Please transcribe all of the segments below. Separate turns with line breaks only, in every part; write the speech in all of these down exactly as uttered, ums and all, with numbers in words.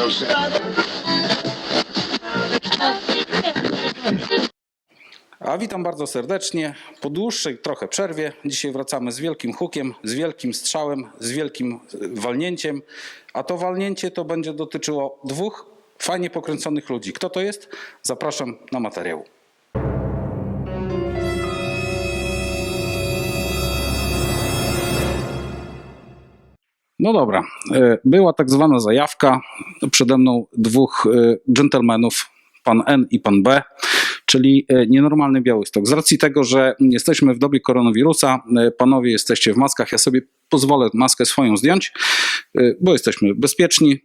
A witam bardzo serdecznie. Po dłuższej trochę przerwie dzisiaj wracamy z wielkim hukiem, z wielkim strzałem, z wielkim walnięciem. A to walnięcie to będzie dotyczyło dwóch fajnie pokręconych ludzi. Kto to jest? Zapraszam na materiał. No dobra, była tak zwana zajawka. Przede mną dwóch dżentelmenów, pan N i pan B, czyli nienormalny Białystok. Z racji tego, że jesteśmy w dobie koronawirusa, panowie jesteście w maskach, ja sobie pozwolę maskę swoją zdjąć, bo jesteśmy bezpieczni.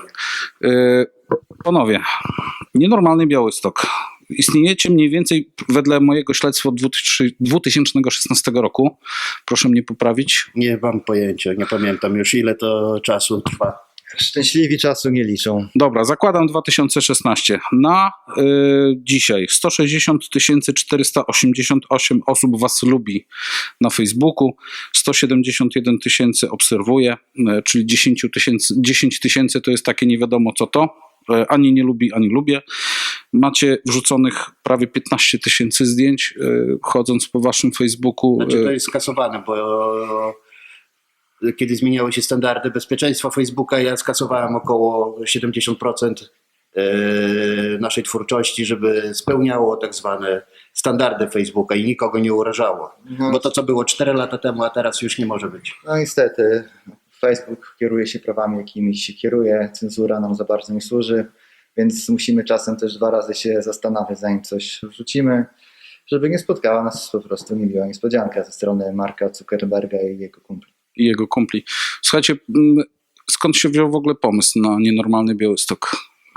Panowie, nienormalny Białystok. Istniejecie mniej więcej wedle mojego śledztwa od dwa tysiące szesnastego roku. Proszę mnie poprawić.
Nie mam pojęcia, nie pamiętam już ile to czasu trwa.
Szczęśliwi czasu nie liczą.
Dobra, zakładam dwa tysiące szesnasty. Na y, dzisiaj sto sześćdziesiąt tysięcy czterysta osiemdziesiąt osiem osób was lubi na Facebooku, sto siedemdziesiąt jeden tysięcy obserwuje, y, czyli dziesięć tysięcy to jest takie nie wiadomo co to. Ani nie lubi, ani lubię. Macie wrzuconych prawie piętnaście tysięcy zdjęć, yy, chodząc po waszym Facebooku.
Znaczy to jest skasowane, bo kiedy zmieniały się standardy bezpieczeństwa Facebooka, ja skasowałem około siedemdziesiąt procent naszej twórczości, żeby spełniało tak zwane standardy Facebooka i nikogo nie urażało. No. Bo to, co było cztery lata temu, a teraz już nie może być.
No niestety. Facebook kieruje się prawami, jakimi się kieruje, cenzura nam za bardzo nie służy, więc musimy czasem też dwa razy się zastanawiać, zanim coś wrzucimy, żeby nie spotkała nas po prostu niemiła niespodzianka ze strony Marka Zuckerberga i jego kumpli.
I jego kumpli. Słuchajcie, skąd się wziął w ogóle pomysł na nienormalny Białystok?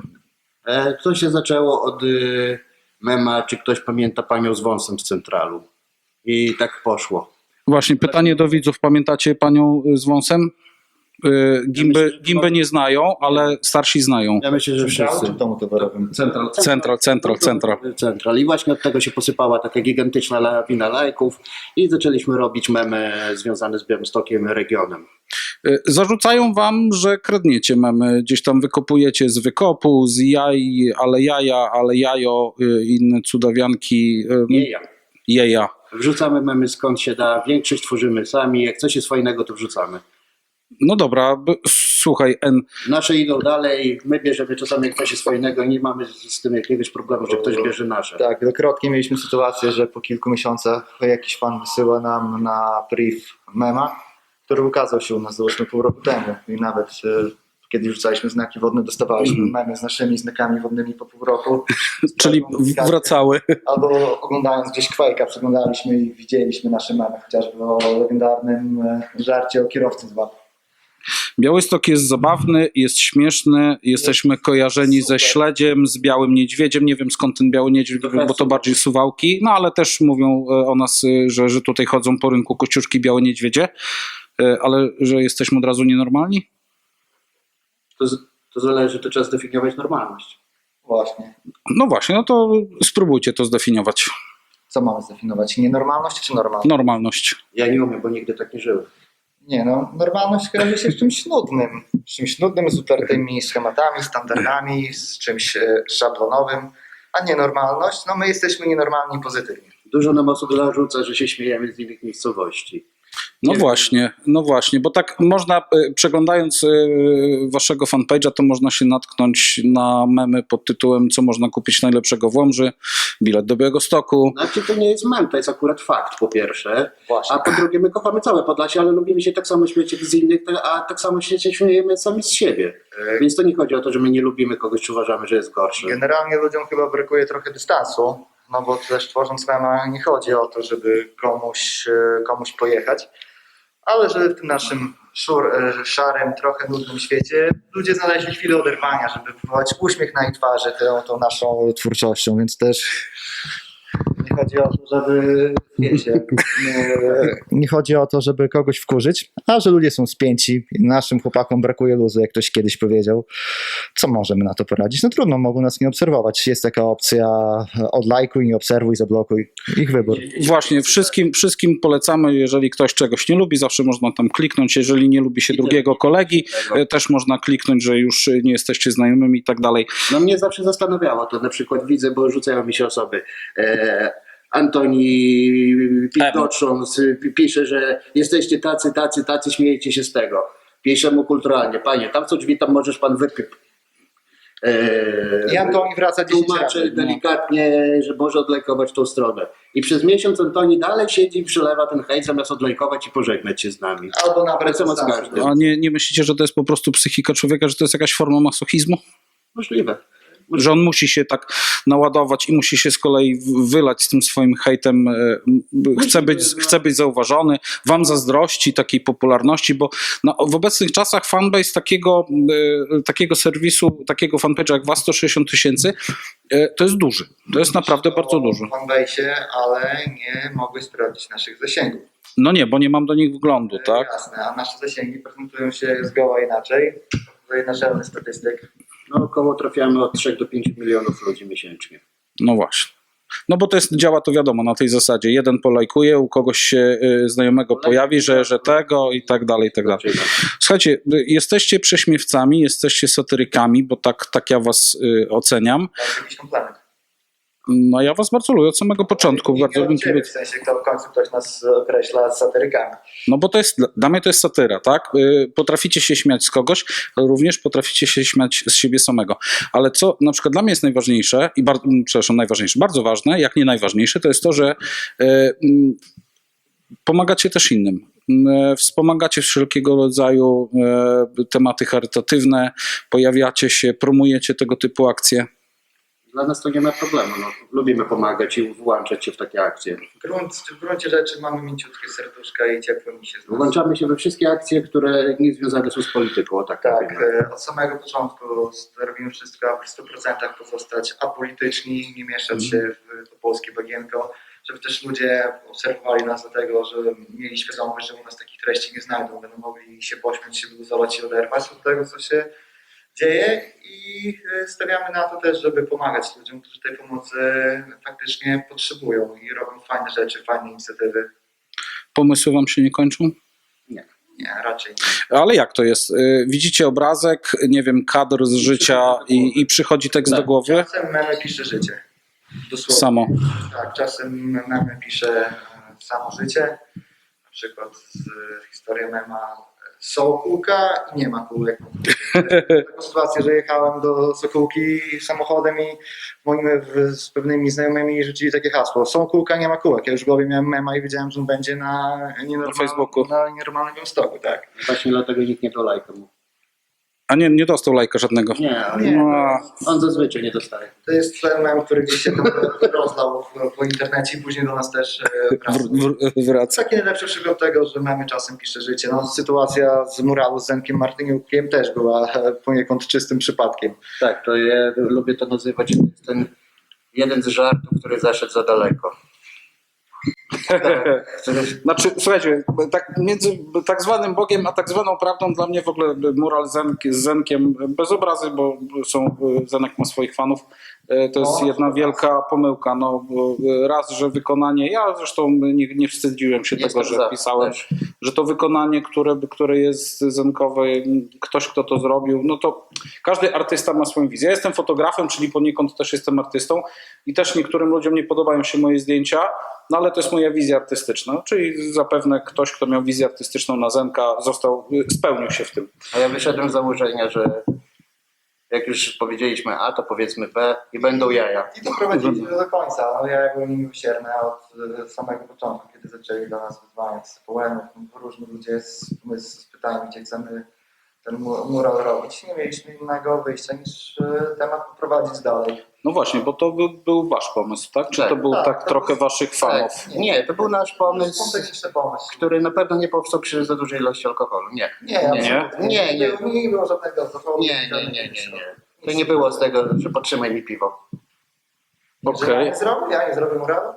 To się zaczęło od mema, czy ktoś pamięta panią z wąsem z Centralu. I tak poszło.
Właśnie, pytanie do widzów. Pamiętacie panią z wąsem? Gimbę, gimbę nie znają, ale starsi znają.
Ja myślę, że wszyscy.
Central, central, central, central.
Central. I właśnie od tego się posypała taka gigantyczna lawina lajków i zaczęliśmy robić memy związane z Białymstokiem, regionem.
Zarzucają wam, że kradniecie memy, gdzieś tam wykopujecie z wykopu, z jaj, ale jaja, ale jajo, inne cudawianki.
Jeja.
Jeja.
Wrzucamy memy skąd się da, większość tworzymy sami, jak coś jest fajnego, to wrzucamy.
No dobra, słuchaj, N.
Nasze idą dalej, my bierzemy czasami jak coś jest fajnego, nie mamy z tym jakiegoś problemu, że ktoś bierze nasze.
Tak, wielokrotnie mieliśmy sytuację, że po kilku miesiącach jakiś fan wysyła nam na priv mema, który ukazał się u nas załóżmy pół roku temu i nawet e, kiedy rzucaliśmy znaki wodne, dostawaliśmy mm. memy z naszymi znakami wodnymi po pół roku.
Czyli wracały.
Albo oglądając gdzieś Quake'a, przeglądaliśmy i widzieliśmy nasze memy, chociażby o legendarnym żarcie o kierowcy z Wapy.
Białystok jest zabawny, jest śmieszny, jesteśmy kojarzeni ze Śledziem, z Białym Niedźwiedziem, nie wiem skąd ten Biały Niedźwiedź, bo to bardziej Suwałki, no ale też mówią o nas, że, że tutaj chodzą po rynku kościuszki Białe Niedźwiedzie, ale że jesteśmy od razu nienormalni?
To, to zależy, to trzeba zdefiniować normalność.
Właśnie.
No właśnie, no to spróbujcie to zdefiniować.
Co mamy zdefiniować? Nienormalność czy normalność?
Normalność.
Ja nie umiem, bo nigdy tak nie żyłem.
Nie no, normalność kojarzy się z czymś nudnym. Z czymś nudnym, z utartymi schematami, standardami, z czymś szablonowym. A nienormalność, no my jesteśmy nienormalni pozytywnie.
Dużo nam osób zarzuca, że się śmiejemy z innych miejscowości.
No właśnie, no właśnie, bo tak można, przeglądając waszego fanpage'a, to można się natknąć na memy pod tytułem co można kupić najlepszego w Łomży, bilet do Białegostoku.
Znaczy to nie jest mem, to jest akurat fakt po pierwsze,
Właśnie.
A po drugie my kochamy całe Podlasie, ale lubimy się tak samo śmiać jak z innych, a tak samo się śmiejemy sami z siebie. Więc to nie chodzi o to, że my nie lubimy kogoś, czy uważamy, że jest gorszy.
Generalnie ludziom chyba brakuje trochę dystansu, no bo też tworząc mema nie chodzi o to, żeby komuś, komuś pojechać, ale żeby w tym naszym szur, szarym, trochę nudnym świecie ludzie znaleźli chwilę oderwania, żeby wywołać uśmiech na ich twarzy tą, tą naszą twórczością, więc też nie chodzi o to, żeby, wiecie, nie, nie chodzi o to, żeby kogoś wkurzyć, a że ludzie są spięci i naszym chłopakom brakuje luzu, jak ktoś kiedyś powiedział, co możemy na to poradzić? No trudno, mogą nas nie obserwować. Jest taka opcja odlajkuj, nie obserwuj, zablokuj. Ich wybór.
Właśnie, wszystkim, wszystkim polecamy, jeżeli ktoś czegoś nie lubi, zawsze można tam kliknąć, jeżeli nie lubi się drugiego kolegi, e, też można kliknąć, że już nie jesteście znajomymi i tak dalej.
No mnie zawsze zastanawiało to, na przykład widzę, bo rzucają mi się osoby. E, Antoni Pitocząc pisze, że jesteście tacy, tacy, tacy, śmiejecie się z tego. Pisze mu kulturalnie, panie, tam co drzwi, tam możesz pan wypyp.
I Antoni wraca dziesięć
Tłumaczę
razy.
delikatnie, że może odlejkować tą stronę. I przez miesiąc Antoni dalej siedzi i przelewa ten hejt, zamiast odlejkować i pożegnać się z nami.
Albo nabrać
Ale co ma z
dystansu.
każdym?
A nie, nie myślicie, że to jest po prostu psychika człowieka, że to jest jakaś forma masochizmu?
Możliwe.
Że on musi się tak naładować i musi się z kolei w- wylać z tym swoim hejtem, e, m, chce być, chce być zauważony, wam zazdrości takiej popularności, bo na, w obecnych czasach fanbase takiego, e, takiego serwisu, takiego fanpage'a jak was sto sześćdziesiąt tysięcy, e, to jest duży, to jest naprawdę bardzo duży.
W fanbase'ie, ale nie mogły sprawdzić naszych zasięgów.
No nie, bo nie mam do nich wglądu, tak?
Jasne, a nasze zasięgi prezentują się zgoła inaczej. Tutaj naczelny statystyk.
No około trafiamy od trzech do pięciu milionów ludzi miesięcznie.
No właśnie. No bo to jest, działa to wiadomo na tej zasadzie. Jeden polajkuje, u kogoś się y, znajomego pojawi, że, że tego i tak dalej, i tak dalej. Słuchajcie, y, jesteście prześmiewcami, jesteście satyrykami, bo tak, tak ja was y, oceniam.
Masz jakiś komplement.
No ja was bardzo lubię od samego początku.
Nie
Bardzo
od
bym
ciebie,
kibic-
w sensie, kto w końcu ktoś nas określa satyrykami.
No bo to jest, dla mnie to jest satyra, tak? Y, Potraficie się śmiać z kogoś, ale również potraficie się śmiać z siebie samego. Ale co na przykład dla mnie jest najważniejsze, i bardzo, przepraszam, najważniejsze, bardzo ważne, jak nie najważniejsze, to jest to, że y, y, pomagacie też innym. Y, Wspomagacie wszelkiego rodzaju y, tematy charytatywne, pojawiacie się, promujecie tego typu akcje.
Dla nas to nie ma problemu. No, lubimy pomagać i włączać się w takie akcje.
W, grunt, w gruncie rzeczy mamy mięciutkie serduszka i ciepło mi się z nas.
Włączamy się we wszystkie akcje, które nie związane są z polityką. O tak,
Tak,
mówimy.
e, od samego początku robimy wszystko, aby w stu procentach pozostać apolityczni, nie mieszać się w to polskie bagienko, żeby też ludzie obserwowali nas do tego, że mieli świadomość, że u nas takich treści nie znajdą, będą mogli się pośmiać, się wyluzować i oderwać od tego, co się dzieje i e, stawiamy na to też, żeby pomagać ludziom, którzy tej pomocy faktycznie potrzebują i robią fajne rzeczy, fajne inicjatywy.
Pomysły wam się nie kończą?
Nie, raczej nie.
Ale jak to jest? Y, Widzicie obrazek, nie wiem, kadr z życia i, i przychodzi tekst do głowy?
Czasem memy pisze życie. Dosłownie.
Samo.
Tak, czasem memy pisze e, samo życie. Na przykład z e, historii mema e, są kółka i nie ma kółek. Taką sytuację, że jechałem do Sokółki samochodem i moim w, z pewnymi znajomymi rzucili takie hasło. Są kółka, nie ma kółek. Ja już w głowie miałem mema i wiedziałem, że on będzie na,
Na Facebooku.
na nienormalnym Białymstoku, tak.
Właśnie dlatego nikt nie do lajka mu.
A nie, nie dostał lajka żadnego.
Nie, ale
Nie.
No,
on zazwyczaj nie dostaje.
To jest ten mem, który gdzieś się tam rozlał w- po internecie i później do nas też e, wracał.
w, w, wraca.
Taki najlepszy przykład tego, że mamy czasem pisze życie. No, sytuacja z muralu z Zenkiem Martyniukiem też była e, poniekąd czystym przypadkiem.
Tak, to ja lubię to nazywać, że to jest ten jeden z żartów, który zaszedł za daleko. Który-
Znaczy, słuchajcie, tak między tak zwanym Bogiem a tak zwaną prawdą dla mnie w ogóle mural Zenk, z Zenkiem, bez obrazy, bo są, Zenek ma swoich fanów, to jest
No,
jedna wielka pomyłka. No, bo raz, że wykonanie, ja zresztą nie, nie wstydziłem się
Jestem
tego, że
za,
pisałem,
też.
że to wykonanie, które, które jest zenkowe, ktoś kto to zrobił, no to każdy artysta ma swoją wizję. Ja jestem fotografem, czyli poniekąd też jestem artystą i też niektórym ludziom nie podobają się moje zdjęcia, no ale to jest moja wizja artystyczna, czyli zapewne ktoś, kto miał wizję artystyczną na Zenka, został, spełnił się w tym.
A ja wyszedłem z założenia, że jak już powiedzieliśmy A, to powiedzmy B i będą jaja.
I doprowadziliśmy do końca. No, ja byłem miłosierny od e, samego początku, kiedy zaczęli do nas wyzwaniać z połemów. Różni ludzie z, z, z pytaniem, gdzie chcemy ten mu- mural robić. Nie mieliśmy innego wyjścia niż e, temat poprowadzić dalej.
No właśnie, bo to był, był wasz pomysł, tak? Czy
Tak,
to był tak,
tak, to
trochę
był-
waszych fanów?
Tak. Nie, to był nasz pomysł,
Spontaniczny pomysł.
który na pewno nie powstał przy za dużej ilości alkoholu. Nie.
Nie,
Nie?
absolutnie.
Nie, nie.
Nie, nie było żadnego alkoholu.
Nie, nie, nie, nie, nie. To nie było z tego, że potrzymaj mi piwo.
Że
Okej.
ja nie zrobię, ja nie zrobię muralu.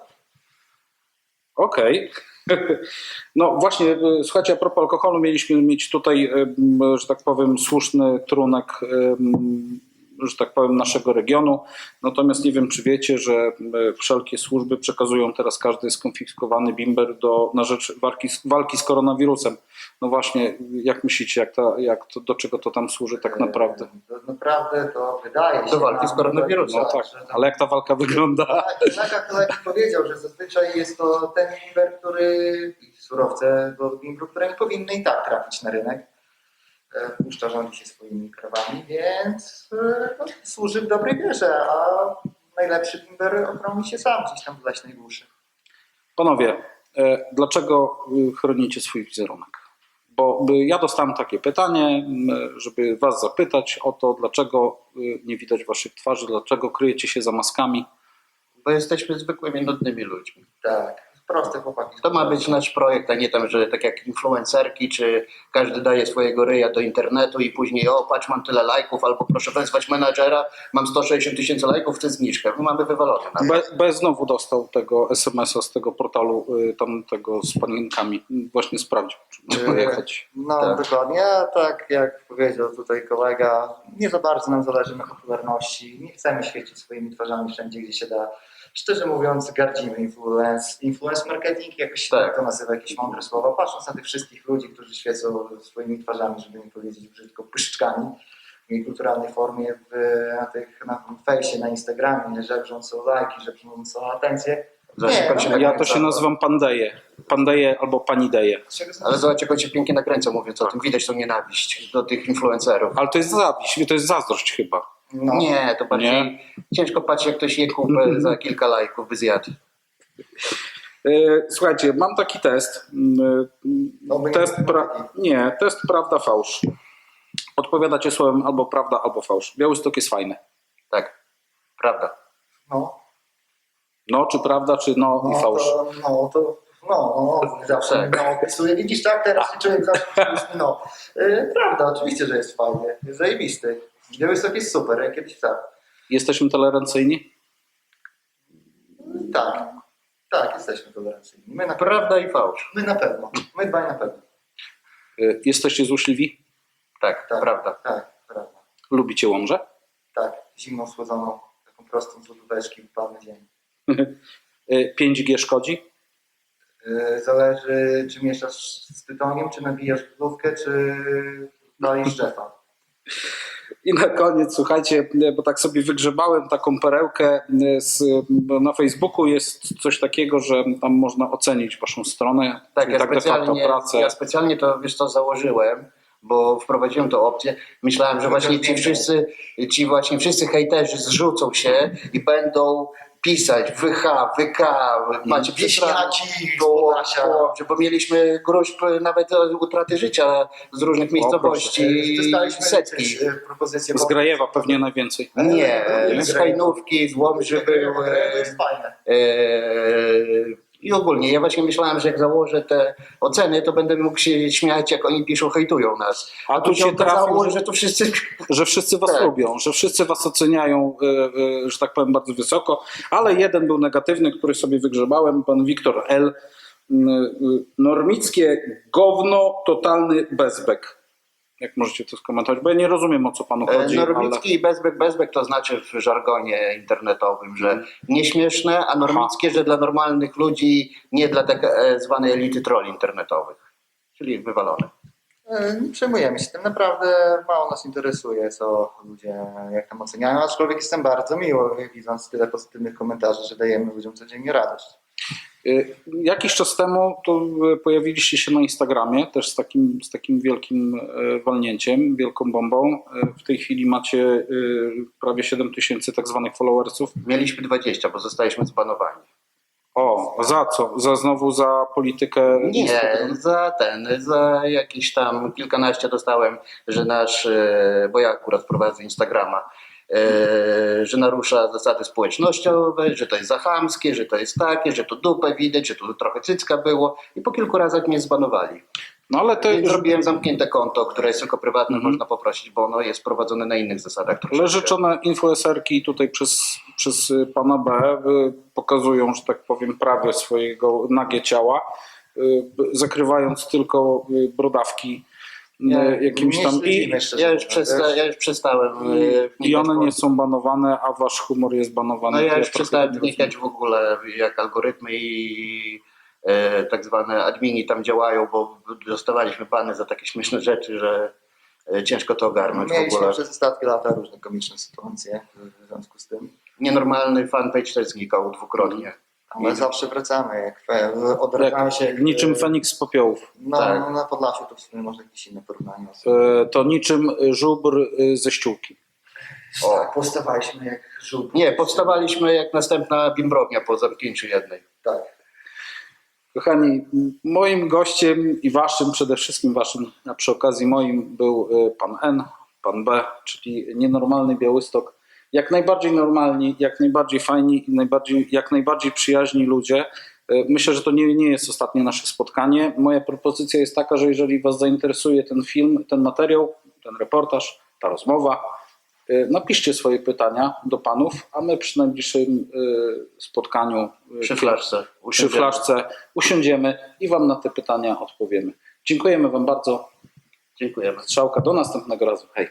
Okej. No właśnie, e, słuchajcie, a propos alkoholu, mieliśmy mieć tutaj, e, m, że tak powiem, słuszny trunek, e, m, że tak powiem, naszego regionu. Natomiast nie wiem, czy wiecie, że e, wszelkie służby przekazują teraz każdy skonfiskowany bimber do, na rzecz walki, z- walki z koronawirusem. No właśnie, jak myślicie, jak ta, jak to, do czego to tam służy tak naprawdę?
To naprawdę to wydaje się.
Do walki
nam,
z koronawirusem,
No tak,
że tam-
ale jak ta walka wygląda?
Tak, kolega, kolega powiedział, że zazwyczaj jest to ten bimber, który i surowce do bimbru, które nie powinny i tak trafić na rynek. E, Puszcza rządzi się swoimi krawami, więc e, no, służy w dobrej wierze, a najlepszy bimber ochroni się sam gdzieś tam w leśnej głuszy.
Panowie, e, dlaczego y, chronicie swój wizerunek? Bo y, ja dostałem takie pytanie, m, żeby was zapytać o to, dlaczego y, nie widać waszych twarzy, dlaczego kryjecie się za maskami.
Bo jesteśmy zwykłymi, nudnymi ludźmi.
Tak, proste chłopaki.
To ma być nasz projekt, a nie tam, że tak jak influencerki, czy każdy daje swojego ryja do internetu i później o, patrz, mam tyle lajków, albo proszę wezwać menadżera, mam sto sześćdziesiąt tysięcy lajków, chcę zniżkę. My mamy wywalone. Na
Be, Bez znowu dostał tego es em es a z tego portalu, y, tam tego z panienkami. Właśnie sprawdził, czy czy
Yy,
pojechać.
No
Tak.
dokładnie, a tak jak powiedział tutaj kolega, nie za bardzo nam zależy na popularności, nie chcemy świecić swoimi twarzami wszędzie, gdzie się da. Szczerze mówiąc, gardzimy influence, influence marketing, jakoś się
Tak.
tak to nazywa, jakieś mądre słowa, patrząc na tych wszystkich ludzi, którzy świecą swoimi twarzami, żeby nie powiedzieć brzydko, pyszczkami w niekulturalnej formie w, na tych, na fejsie, na Instagramie, żebrząc o lajki, żebrząc o atencję.
Zobacz, jak on się
no,
Ja to się nazywam pandeje. Pandeje albo panideje.
Ale zobacz, jak on się pięknie nakręca, mówiąc o tym. Widać tą nienawiść do tych influencerów.
Ale to jest zawiść, to jest zazdrość chyba.
No.
Nie, to bardziej
Nie?
ciężko patrzeć, jak ktoś je kupę za kilka lajków by zjadł.
E, Słuchajcie, mam taki test. Mm,
No, by nie
Test
było
pra...
taki.
Nie, test prawda, fałsz. Odpowiadacie słowem albo prawda, albo fałsz. Białystok jest fajny.
Tak, prawda.
No.
No, czy prawda, czy no,
No
i fałsz.
to, no to, no, no, zawsze
Tak.
no, opisuję. Widzisz, tak, teraz się człowiek zawsze mówi, no. Yy, prawda, oczywiście, że jest fajnie, jest zajebisty. Białystok jest super, jak kiedyś tak.
Jesteśmy tolerancyjni?
Tak, tak, jesteśmy tolerancyjni. My na,
Prawda i fałsz.
my na pewno, my dwaj na pewno.
E, Jesteście złośliwi?
Tak,
Tak,
prawda.
Tak, prawda.
Lubicie Łomżę?
Tak, zimną, słodzoną, taką prostą z lodóweczki w palny dzień.
E, pięć G szkodzi?
Yy, zależy, czy mieszasz z tytoniem, czy nabijasz lodówkę, czy dajesz drzewa.
I na koniec, słuchajcie, bo tak sobie wygrzebałem taką perełkę z, na Facebooku jest coś takiego, że tam można ocenić waszą stronę,
Tak,
czyli
ja
tak de facto
specjalnie,
pracę.
ja specjalnie to, wiesz co, założyłem, bo wprowadziłem tę opcję. Myślałem, że właśnie ci wszyscy, ci właśnie wszyscy hejterzy zrzucą się i będą pisać wy ha, wy ka, macie
Wieśniaci z
bo,
Podlasia.
bo, bo mieliśmy gruźb nawet utraty życia z różnych miejscowości,
Dostaliśmy
setki.
też, yy, propozycję.
Z Grajewa pewnie najwięcej.
Nie,
Nie?
z Hajnówki, z Łomży były.
To jest fajne.
Eee, I ogólnie ja właśnie myślałem, że jak założę te oceny, to będę mógł się śmiać, jak oni piszą, hejtują nas.
A
A
tu
tu się
się
okazało,
trafił,
że to wszyscy...
Że wszyscy was
Tak.
lubią, że wszyscy was oceniają, e, e, że tak powiem, bardzo wysoko, ale jeden był negatywny, który sobie wygrzebałem, pan Wiktor L. M, y, Normickie gówno, totalny bezbek. Jak możecie to skomentować? Bo ja nie rozumiem, o co panu chodzi.
Normicki i bezbek, bezbek to znaczy w żargonie internetowym, że nieśmieszne, a normickie, że dla normalnych ludzi, nie dla tak e, zwanej elity trolli internetowych. Czyli wywalone.
E, Nie przejmujemy się tym, naprawdę mało nas interesuje, co ludzie jak tam oceniają, aczkolwiek jestem bardzo miły, widząc tyle pozytywnych komentarzy, że dajemy ludziom codziennie radość.
Y, Jakiś czas temu to y, pojawiliście się na Instagramie też z takim, z takim wielkim y, walnięciem, wielką bombą. Y, W tej chwili macie y, prawie siedem tysięcy tak zwanych followersów.
Mieliśmy dwadzieścia, bo zostaliśmy zbanowani.
O, za co? Za znowu za politykę
Nie,
Instagram?
za ten, za jakieś tam kilkanaście dostałem, że nasz, e, bo ja akurat prowadzę Instagrama, e, że narusza zasady społecznościowe, że to jest za chamskie, że to jest takie, że tu dupę widać, że tu trochę cycka było i po kilku razach mnie zbanowali.
No ale te,
Więc zrobiłem zamknięte konto, które jest tylko prywatne,
Mhm.
można poprosić, bo ono jest prowadzone na innych zasadach. troszeczkę.
ale życzone influencerki tutaj przez, przez pana B y, pokazują, że tak powiem, prawie swojego nagie ciała, y, zakrywając tylko y, brodawki
Nie,
e, jakimś
nie
tam... I,
śledzimy, szczerze
Ja już,
mówiąc,
przesta,
wiesz.
ja już przestałem e,
I
wnikać
one
w-
nie są banowane, a wasz humor jest banowany.
No ja
To
już
trochę
przestałem
nie
wnikać
rozumiem.
w ogóle, jak algorytmy i e, tak zwane admini tam działają, bo dostawaliśmy bany za takie śmieszne rzeczy, że e, ciężko to ogarnąć w
Mieliśmy
ogóle.
przez ostatnie lata różne komiczne sytuacje w związku z tym.
Nienormalny fanpage też znikał dwukrotnie.
Ale
I-
zawsze wracamy, jak fe- odradzamy się.
Jak, niczym Feniks z popiołów.
No,
tak.
no na Podlasiu to w sumie może jakieś inne porównanie.
E, To niczym żubr e, ze ściółki.
O.
Tak, powstawaliśmy jak żółt.
Nie, powstawaliśmy jak następna bimbrownia po zamknięciu jednej.
Tak.
Kochani, moim gościem i waszym, przede wszystkim waszym, a przy okazji moim był e, pan N, pan B, czyli nienormalny Białystok. Jak najbardziej normalni, jak najbardziej fajni i najbardziej, jak najbardziej przyjaźni ludzie. E, Myślę, że to nie, nie jest ostatnie nasze spotkanie. Moja propozycja jest taka, że jeżeli was zainteresuje ten film, ten materiał, ten reportaż, ta rozmowa, e, napiszcie swoje pytania do panów, a my przy najbliższym e, spotkaniu e,
Przy flaszce.
przy
Usiądziemy.
flaszce usiądziemy i wam na te pytania odpowiemy. Dziękujemy wam bardzo.
Dziękujemy.
Strzałka, do następnego razu. Hej.